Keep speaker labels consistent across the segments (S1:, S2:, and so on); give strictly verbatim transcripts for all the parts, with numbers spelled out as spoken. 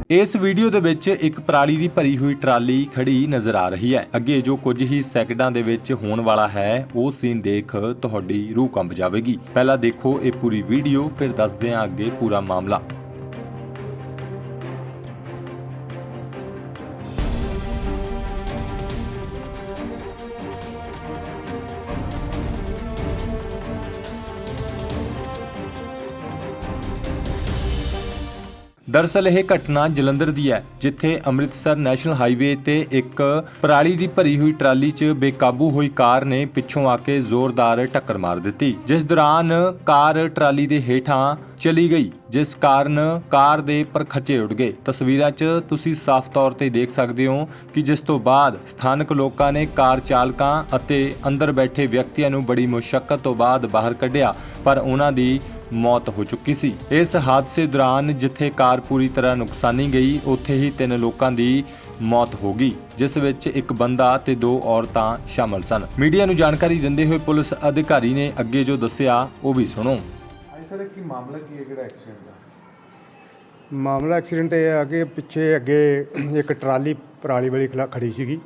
S1: इस वीडियो ਦੇ ਵਿੱਚ ਇੱਕ ਪਰਾਲੀ ਦੀ ਭਰੀ ਹੋਈ ਟਰਾਲੀ ਖੜੀ ਨਜ਼ਰ ਆ ਰਹੀ ਹੈ। ਅੱਗੇ ਜੋ ਕੁਝ ਹੀ ਸੈਕਿੰਡਾਂ ਦੇ ਵਿੱਚ ਹੋਣ ਵਾਲਾ ਹੈ ਉਹ ਸੀਨ ਦੇਖ ਤੁਹਾਡੀ ਰੂਹ ਕੰਬ ਜਾਵੇਗੀ। ਪਹਿਲਾਂ ਦੇਖੋ ਇਹ ਪੂਰੀ ਵੀਡੀਓ, ਫਿਰ ਦੱਸਦੇ ਹਾਂ ਅੱਗੇ ਪੂਰਾ ਮਾਮਲਾ। दरअसल यह घटना जलंधर दी है, जिथे अमृतसर नैशनल हाईवे ते एक पराली दी भरी हुई ट्राली च बेकाबू हुई कार ने पिछों आके जोरदार टक्कर मार दी, जिस दौरान कार ट्राली दे हेठां चली गई, जिस कारण कार दे परखचे उड़ गए। तस्वीरां च तुसी साफ तौर ते देख सकते हो कि जिस तो बाद स्थानक लोकां ने कार चालकां अते अंदर बैठे व्यक्तियों नूं बड़ी मुशक्कत तो बाद बाहर कढिया, पर उन्हां दी मौत हो चुकी सी। इस हादसे दौरान जिथे कार पूरी तरह नुकसानी गई, उत्थे ही तीन लोगों की मौत हो गई, जिस विच एक बंदा ते दो औरतां शामिल सन। मीडिया नूं जानकारी दिंदे हुए पुलिस अधिकारी ने अगे जो दस्सिया वो भी सुनो।
S2: सर की मामला की है किहड़ा एक्सीडेंट दा?
S3: मामला एक्सीडेंट ये है कि पिछे अगे एक ट्राली पराली वाली खला खड़ी सीगी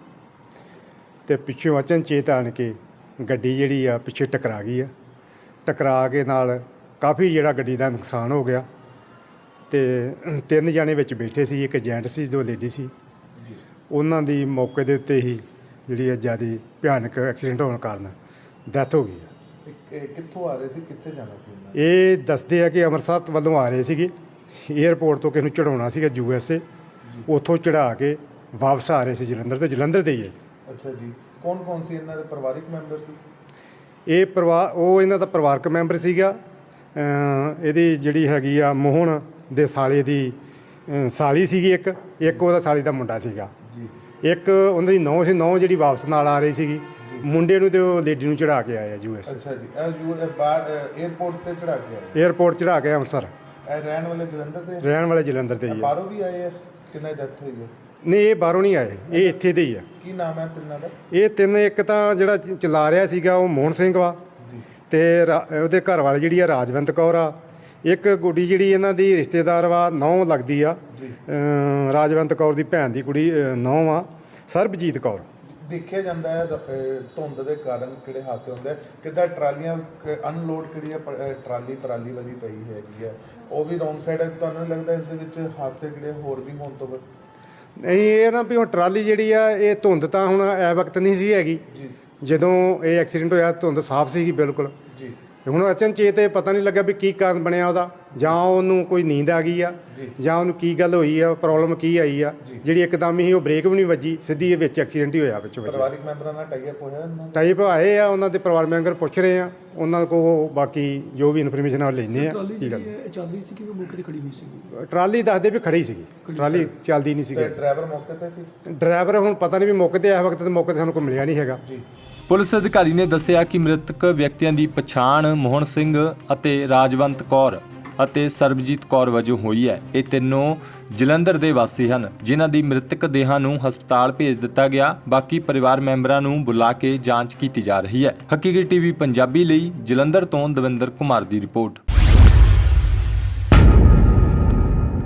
S3: ते पिछों अचनचेत आण के गड्डी जिहड़ी आ पिछे टकरा गई है। टकरा के नाल काफ़ी जिहड़ा गड्डी का नुकसान हो गया ते तीन जाने विच बैठे सी, एक जेंट सी, दो लेडी सी। उन्हां दी मौके दे उत्ते ही जिहड़ी ज़्यादा भयानक एक्सीडेंट होने कारण डैथ हो गई।
S2: कित्थों आ रहे सी, कित्थे जाना सी?
S3: ये दसदे है कि अमृतसर वालों आ रहे सीगे, एयरपोर्ट तो किसी नूं चढ़ाउणा सीगा यू एस ए, उत्थों चढ़ा के वापस आ रहे सी जलंधर, तो जलंधर दे ही है।
S2: अच्छा जी, कौन कौन सी इन्हां दे परिवारिक मैंबर सी?
S3: ये परिवार वो इन्हां दा परिवारक मैंबर सीगा। ਇਹਦੀ ਜਿਹੜੀ ਹੈਗੀ ਆ ਮੋਹਨ ਦੇ ਸਾਲੇ ਦੀ ਸਾਲੀ ਸੀਗੀ, ਇੱਕ ਇੱਕ ਉਹਦਾ ਸਾਲੀ ਦਾ ਮੁੰਡਾ ਸੀਗਾ, ਇੱਕ ਉਹਨਾਂ ਦੀ ਨੌਂ ਸੀ। ਨੌਂ ਜਿਹੜੀ ਵਾਪਸ ਨਾਲ ਆ ਰਹੀ ਸੀਗੀ, ਮੁੰਡੇ ਨੂੰ ਤੇ ਉਹ ਲੇਡੀ ਨੂੰ ਚੜਾ ਕੇ ਆਇਆ ਯੂ ਐਸ।
S2: ਅੱਛਾ ਜੀ, ਇਹ ਯੂ ਬਾਹਰ 에ਅਰਪੋਰਟ ਤੇ ਚੜਾ ਕੇ ਆਏ?
S3: 에ਅਰਪੋਰਟ ਚੜਾ ਕੇ ਅੰਮ੍ਰਿਤਸਰ।
S2: ਇਹ ਰਹਿਣ ਵਾਲੇ ਜਲੰਧਰ ਦੇ?
S3: ਰਹਿਣ ਵਾਲੇ ਜਲੰਧਰ ਦੇ ਹੀ ਆ।
S2: ਬਾਹਰੋਂ ਵੀ ਆਏ ਆ? ਕਿੰਨਾ ਡੈਥ ਹੋਈ ਹੈ?
S3: ਨਹੀਂ, ਇਹ ਬਾਹਰੋਂ ਨਹੀਂ ਆਏ, ਇਹ ਇੱਥੇ ਦੇ ਹੀ ਆ।
S2: ਕੀ ਨਾਮ ਹੈ ਤਿੰਨਾਂ ਦਾ?
S3: ਇਹ ਤਿੰਨ, ਇੱਕ ਤਾਂ ਜਿਹੜਾ ਚਲਾ ਰਿਹਾ ਸੀਗਾ ਉਹ ਮੋਹਨ ਸਿੰਘ ਵਾ, ਤੇ ਉਹਦੇ ਘਰ ਵਾਲੀ ਜਿਹੜੀ ਆ ਰਾਜਵੰਤ ਕੌਰ ਆ। ਇੱਕ ਗੁੱਡੀ ਜਿਹੜੀ ਇਹਨਾਂ ਦੀ ਰਿਸ਼ਤੇਦਾਰ ਵਾ, ਨੌਂ ਲੱਗਦੀ ਆ, ਰਾਜਵੰਤ ਕੌਰ ਦੀ ਭੈਣ ਦੀ ਕੁੜੀ ਨੌਂ ਆ, ਸਰਬਜੀਤ ਕੌਰ।
S2: ਦੇਖਿਆ ਜਾਂਦਾ ਹੈ ਧੁੰਦ ਦੇ ਕਾਰਨ ਕਿਹੜੇ ਹਾਦਸੇ ਹੁੰਦੇ, ਕਿੱਦਾਂ ਟਰਾਲੀਆਂ ਅਨਲੋਡ ਕਿਹੜੀ ਹੈ ਟਰਾਲੀ ਪਰਾਲੀ ਵਾਲੀ ਪਈ ਹੈਗੀ ਹੈ, ਉਹ ਵੀ ਰੋਂਗ ਸਾਈਡ ਹੈ। ਤੁਹਾਨੂੰ ਲੱਗਦਾ ਇਸ ਦੇ ਵਿੱਚ ਹਾਦਸੇ ਕਿਹੜੇ ਹੋਰ ਵੀ ਹੋਣ ਤੋਂ?
S3: ਨਹੀਂ, ਇਹ ਨਾ ਵੀ ਹੁਣ ਟਰਾਲੀ ਜਿਹੜੀ ਆ, ਇਹ ਧੁੰਦ ਤਾਂ ਹੁਣ ਐ ਵਕਤ ਨਹੀਂ ਸੀ ਹੈਗੀ ਜਦੋਂ ਇਹ ਐਕਸੀਡੈਂਟ ਹੋਇਆ, ਧੁੰਦ ਸਾਫ਼ ਸੀਗੀ ਬਿਲਕੁਲ। ਹੁਣ ਅਚਨਚੇਤ ਇਹ ਪਤਾ ਨਹੀਂ ਲੱਗਾ ਵੀ ਕੀ ਕਾਰਨ ਬਣਿਆ ਉਹਦਾ, ਜਾਂ ਉਹਨੂੰ ਕੋਈ ਨੀਂਦ ਆ ਗਈ ਆ, ਜਾਂ ਉਹਨੂੰ ਕੀ ਗੱਲ ਹੋਈ ਆ, ਪ੍ਰੋਬਲਮ ਕੀ ਆਈ ਆ, ਜਿਹੜੀ ਇੱਕਦਮ ਹੀ ਉਹ ਬ੍ਰੇਕ ਵੀ ਨਹੀਂ ਵੱਜੀ, ਸਿੱਧੀ ਇਹ ਵਿੱਚ ਐਕਸੀਡੈਂਟ ਹੀ ਹੋਇਆ। ਵਿੱਚ
S2: ਪਰਿਵਾਰਿਕ ਮੈਂਬਰਾਂ ਨਾਲ ਟਾਈ ਅਪ ਹੋਇਆ?
S3: ਟਾਈ ਅਪ ਆਏ ਆ, ਉਹਨਾਂ ਦੇ ਪਰਿਵਾਰ ਮੈਂਬਰ ਪੁੱਛ ਰਹੇ ਆ, ਉਹਨਾਂ ਕੋਲ ਬਾਕੀ ਜੋ ਵੀ ਇਨਫੋਰਮੇਸ਼ਨ ਆ ਲੈਂਦੇ ਆ। ਕੀ ਗੱਲ
S4: ਚੱਲ ਰਹੀ ਸੀ ਕਿ ਮੌਕੇ ਤੇ ਖੜੀ ਹੋਈ ਸੀ?
S3: ਟਰਾਲੀ ਦੱਸਦੇ ਵੀ ਖੜੀ ਸੀਗੀ, ਟਰਾਲੀ ਚੱਲਦੀ ਨਹੀਂ ਸੀਗੀ।
S2: ਡਰਾਈਵਰ ਮੌਕੇ ਤੇ ਸੀ?
S3: ਡਰਾਈਵਰ ਹੁਣ ਪਤਾ ਨਹੀਂ ਵੀ ਮੌਕੇ ਤੇ ਇਸ ਵਕਤ ਤੇ ਮੌਕੇ ਤੇ ਸਾਨੂੰ ਕੋਈ ਮਿਲਿਆ ਨਹੀਂ ਹੈਗਾ।
S1: ਪੁਲਿਸ ਅਧਿਕਾਰੀ ਨੇ ਦੱਸਿਆ ਕਿ ਮ੍ਰਿਤਕ ਵਿਅਕਤੀਆਂ ਦੀ ਪਛਾਣ ਮੋਹਨ ਸਿੰਘ ਅਤੇ ਰਾਜਵੰਤ ਕੌਰ ਅਤੇ ਸਰਬਜੀਤ ਕੌਰ ਵਜੋਂ ਹੋਈ ਹੈ। ਇਹ ਤਿੰਨੋਂ ਜਲੰਧਰ ਦੇ ਵਾਸੀ ਹਨ, ਜਿਨ੍ਹਾਂ ਦੀ ਮ੍ਰਿਤਕ ਦੇਹਾਂ ਨੂੰ ਹਸਪਤਾਲ ਭੇਜ ਦਿੱਤਾ ਗਿਆ। ਬਾਕੀ ਪਰਿਵਾਰ ਮੈਂਬਰਾਂ ਨੂੰ ਬੁਲਾ ਕੇ ਜਾਂਚ ਕੀਤੀ ਜਾ ਰਹੀ ਹੈ। ਹਕੀਕੀ ਟੀਵੀ ਪੰਜਾਬੀ ਲਈ ਜਲੰਧਰ ਤੋਂ ਦਵਿੰਦਰ ਕੁਮਾਰ ਦੀ ਰਿਪੋਰਟ।